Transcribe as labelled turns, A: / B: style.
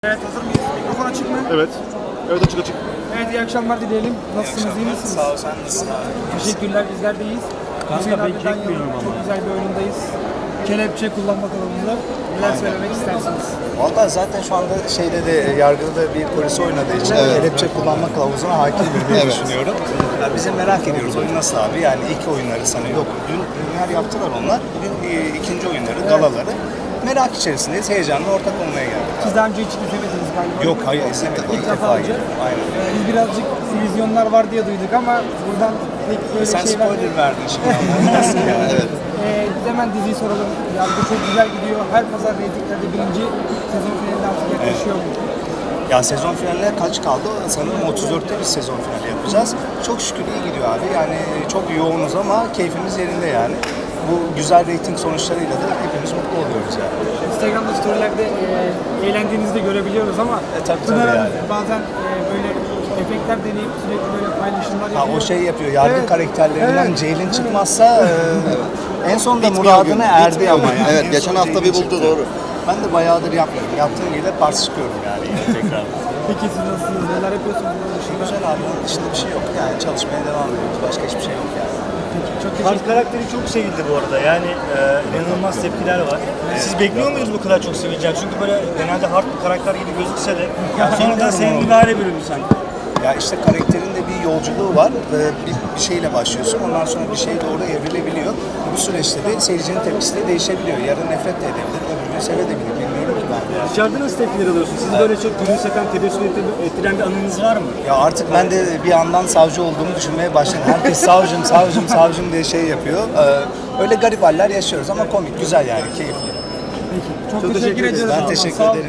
A: Evet, hazır mıyız? Mikrofon açık mı?
B: Evet. Evet, açık açık.
A: Evet, iyi akşamlar dileyelim. Nasılsınız, iyi misiniz?
C: Sağ ol, sen nasılsın abi?
A: Teşekkürler, bizler de iyiyiz. Hüseyin abiden çok güzel bir oyundayız. Kelepçe kullanma durumunda. Neler söylemek istersiniz?
C: Valla zaten şu anda yargıda da bir polis oynadığı için kelepçe kullanma kılavuzuna hakimdir diye düşünüyorum. Yani biz de merak ediyoruz oyun nasıl abi? Yani ilk oyunları sanıyorum. Yok, dün premier yaptılar onlar. Bugün ikinci oyunları, galaları. Merak içerisindeyiz, heyecanla ortak olmaya geldik.
A: Siz daha önce hiç izlemediniz galiba.
C: Yok, hayır izlemedim.
A: İlk defa olacak.
C: Aynen.
A: Biz birazcık vizyonlar var diye duyduk ama buradan pek böyle
C: Sen
A: şey
C: spoiler verdin şimdi. Nasıl yani? Evet.
A: Biz hemen diziyi soralım. Yargı çok güzel gidiyor. Her pazar reytinglerde birinci sezon finaline artık yaklaşıyor mu?
C: Ya sezon finaline kaç kaldı? Sanırım 34'te bir sezon finali yapacağız. Çok şükür iyi gidiyor abi. Yani çok yoğunuz ama keyfimiz yerinde yani. Bu güzel reyting sonuçlarıyla da hepimiz mutlu oluyoruz yani.
A: Instagram'da storylerde eğlendiğinizi de görebiliyoruz ama
C: tabii
A: Pınar
C: yani.
A: bazen böyle efektler deneyip sürekli böyle paylaşımlar
C: Ha,
A: yapıyor.
C: o şey yapıyor, yargı
A: Evet.
C: karakterlerinden
A: Evet.
C: Ceylin çıkmazsa en sonunda muradına erdi ama yani.
B: Evet,
C: En
B: geçen
C: son
B: hafta
C: Ceylin
B: bir buldu,
C: çıktı.
B: doğru.
C: Ben de bayağıdır yapmıyorum. Yaptığım gibi de pars çıkıyorum yani yine tekrar.
A: Peki siz nasılsınız? Neler yapıyorsunuz? Bunun dışında?
C: Güzel abi, onun dışında bir şey yok yani. Çalışmaya devam ediyoruz. Başka hiçbir şey yok yani.
A: Çok
D: Hart
A: teşekkür
D: karakteri çok sevildi bu arada. Yani inanılmaz tepkiler var. Siz bekliyor muydunuz bu kadar çok sevileceğini? Çünkü böyle genelde hard bir karakter gibi gözükse de sonradan sevimli bir hale büründü sanki.
C: Ya işte karakterin de bir yolculuğu var. Bir şeyle başlıyorsun. Ondan sonra bir şey doğru evrilebiliyor. Bu süreçte de seyircinin tepkisi de değişebiliyor. Yarın nefret de edebilir, öbür sevebilir. Bilmiyorum ki ben.
D: Dışarıda nasıl tepkiler alıyorsunuz? Sizi böyle çok gülümseten, tebessüm ettiren bir anınız var mı?
C: Ya artık ben de bir yandan savcı olduğumu düşünmeye başladım. Herkes savcım, savcım, savcım diye şey yapıyor. Öyle garip haller yaşıyoruz ama komik, güzel yani, keyifli.
A: Çok teşekkür ediyoruz.
C: Ben teşekkür
A: Sağ olun.
C: ederim.